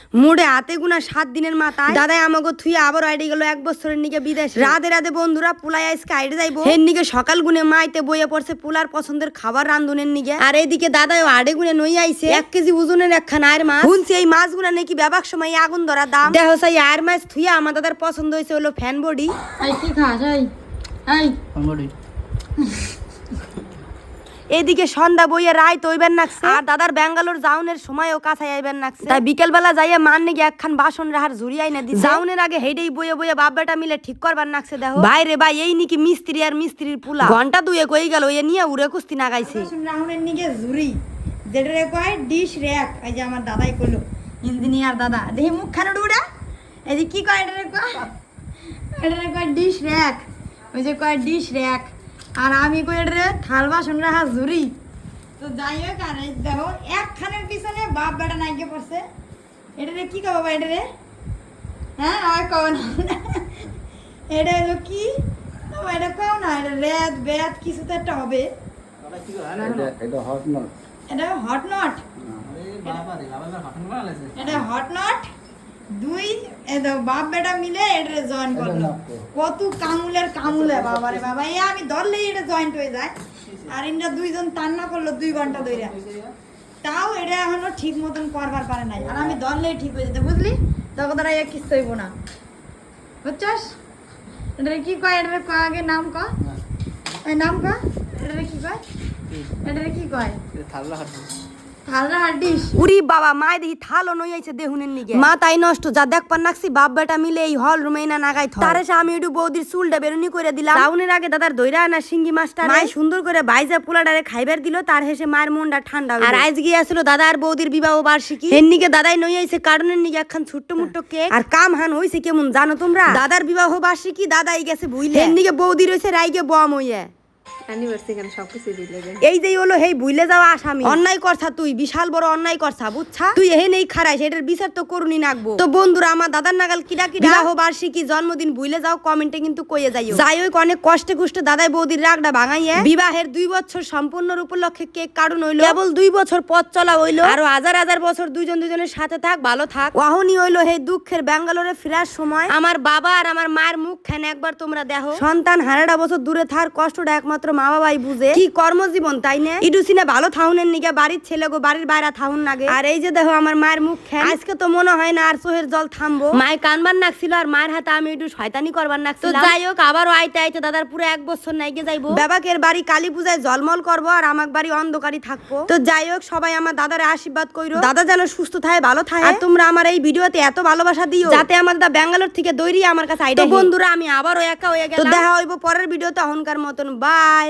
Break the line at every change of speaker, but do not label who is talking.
মুড়ে হাতে গুনা 7 দিনের মাথায় দাদাই আমাকে থুই আবার আইডে গেল 1 বছরের নিকে বিদেশ। রাতে রাতে বন্ধুরা পুলাই আজকে আইডে যাইবো। এর নিকে সকাল গুনে মাইতে বইয়ে পড়ছে পুলার পছন্দের খাবার রান্ধুনের নিকে। আর এইদিকে দাদাই আড়ে গুনে নই আইছে 1 কেজি ওজনের একখান আয়ের মাছ। শুনছি এই মাছগুলা নাকি ব্যবসার সময় আগুন ধরা দাম। দেখো সেই আয়ের মাছ থুইয়া আমার দাদার পছন্দ হয়েছে হলো ফ্যান বডি।
এই কি খাস? এই
ফ্যান বডি।
এদিকে সন্ধ্যা বইয়ে রায় তৈবেন নাকছে আর দাদার ব্যাঙ্গালোর যাওনের সময়ও কাছে আইবেন নাকছে। তাই বিকেল বেলা যাইয়া মান নাকি একখান বাসন রাহার ঝুরি আইনা দি। যাওনের আগে হেডেই বইয়ে বইয়ে বাপ বেটা মিলে ঠিক করবার নাকছে। দেখো বাইরে ভাই এই নাকি মিস্ত্রি আর মিস্ত্রির পুলা ঘন্টা দুয়ে কই গেল এ নিয়ে উড়ে কুস্তি নাগাইছে।
বাসন রাহুনের নিকে ঝুরি যেটারে কয় ডিশ র‍্যাক। এই যে আমার দাদাই কইলো ইঞ্জিনিয়ার দাদা দেখি মুখ খান উড়া। এই যে কি কয় এটারে কয় ডিশ র‍্যাক। ওই যে কয় ডিশ র‍্যাক আর আমি কই এটারে থাল বাসন রাখা ঝুরি। তো যাই হোক আর দেখো একখানের পিছনে বাপ বেটা নাইকে পড়ছে। এটারে কি কয় বাবা এটারে? হ্যাঁ আর কও না এটা হলো কি বাবা? এটা কও না, এটা রেদ বেদ কিছু তো একটা হবে।
এটা হট নট।
এটা হট নট। এটা হট নট দুই বাপ বেটা মিলে এটা জয়েন করলো। কত কামুলে বাবারে বাবা, এ আমি ধরলেই এটা জয়েন্ট হয়ে যায়। আর ইন্দ্রা দুইজন টান্না করলো 2 ঘন্টা ধরে, তাও এটা এখনো ঠিক মতন করবার পারে নাই। আর আমি ধরলেই ঠিক হয়ে যেতে, বুঝলি? তখন তারা কিছু হইব না, বুঝছস? এটা কি কয়? এটা আগে নাম ক, নাম ক। এটা কি কয়? এটা কি কয়? থালরা হাড্ডিস।
উরি বাবা মাই দেখি থালো নই আইছে দেহুনের নিগে। মাথায় নষ্ট যা দেখবার নাকছি বাপ বেটা মিলে এই হল রুমে না নাগাই থ। তারে আমি একটু বৌদির চুলটা বেরুনি করে দিলাম। টাউনের আগে দাদার দইরা আনা শিঙ্গি মাছটা মাই সুন্দর করে বাইজা পোলাডারে খাইবার দিল। তার হেসে মায়ের মনটা ঠান্ডা হইল। আর আজ গিয়ে আসলো দাদা আর বৌদির বিবাহ বার্ষিকী। এর নিগে দাদাই নই আইছে কারণের নিগে একখান ছোট্ট মুট্ট কেক। আর কাম হান হইছে কেমন জানো তোমরা? দাদার বিবাহ বার্ষিকী দাদাই গেছে বুইলে। এর নিগে বৌদি রইছে রাইগে বম হইয়া। এই যে হলো হেই ভুলে যাওয়া আসামি। অন্যায় করছা তুই, বিশাল বড় অন্যায় করছা, বুঝছা? তুই এহে নেই খারাইস, এটার বিচার তো করুনি নাকবো। তো বন্ধুরা আমার দাদার নাগাল কিডা বিবাহ বার্ষিকী জন্মদিন ভুলে যাও কমেন্টে কিন্তু কইয়ে যাইও। যাই হোক অনেক কষ্টে কুষ্টে দাদাই বৌদির রাগটা ভাঙাইয়া বিবাহের 2 বছর সম্পূর্ণর উপলক্ষে কেক কাটুন হইলো। কেবল 2 বছর পথ চলা হইলো। আরো হাজার হাজার বছর দুইজন দুজনের সাথে থাক, ভালো থাক। ওহনি হইলো হেই দুঃখের ব্যাঙ্গালোরে ফেরার সময় আমার বাবা আর আমার মায়ের মুখ খানে একবার তোমরা দেখো। সন্তান হারাটা বছর দূরে থার কষ্টটা একমাত্র মা বাবাই বুঝে। কি কর্মজীবন তাই না? ইডুসিনে ভালো থাউনের নিগে বাড়ির ছেলে গো বাড়ির বাইরে থাউন লাগে। আর এই যে দেখো আমার মায়ের মুখ খান, আজকে তো মনে হয় না আর চোহের জল থামবো। মায়ের কানবার নাকছিল আর মায়ের হাতে আমি একটু শয়তানি করবার নাকছিলাম। তো যাই হোক আবারও আইতে আইতে দাদার পুরো 1 বছর নাইগে যাইবো। বাবাকের বাড়ি কালী পূজায় জলমল করবো আর আমার বাড়ি অন্ধকারই থাকবো। তো যাই হোক সবাই আমার দাদারে আশীর্বাদ কইরো, দাদা যেন সুস্থ থাকে, ভালো থাকে। আর তোমরা আমার এই ভিডিওতে এত ভালোবাসা দিও যাতে আমার দাদা ব্যাঙ্গালোর থেকে দৌড়িয়ে আমার কাছে আইডা। তো বন্ধুরা আমি আবারও একা হয়ে গেলাম। তো দেখা হইবো পরের ভিডিওতে। এখনকার মতন বাই।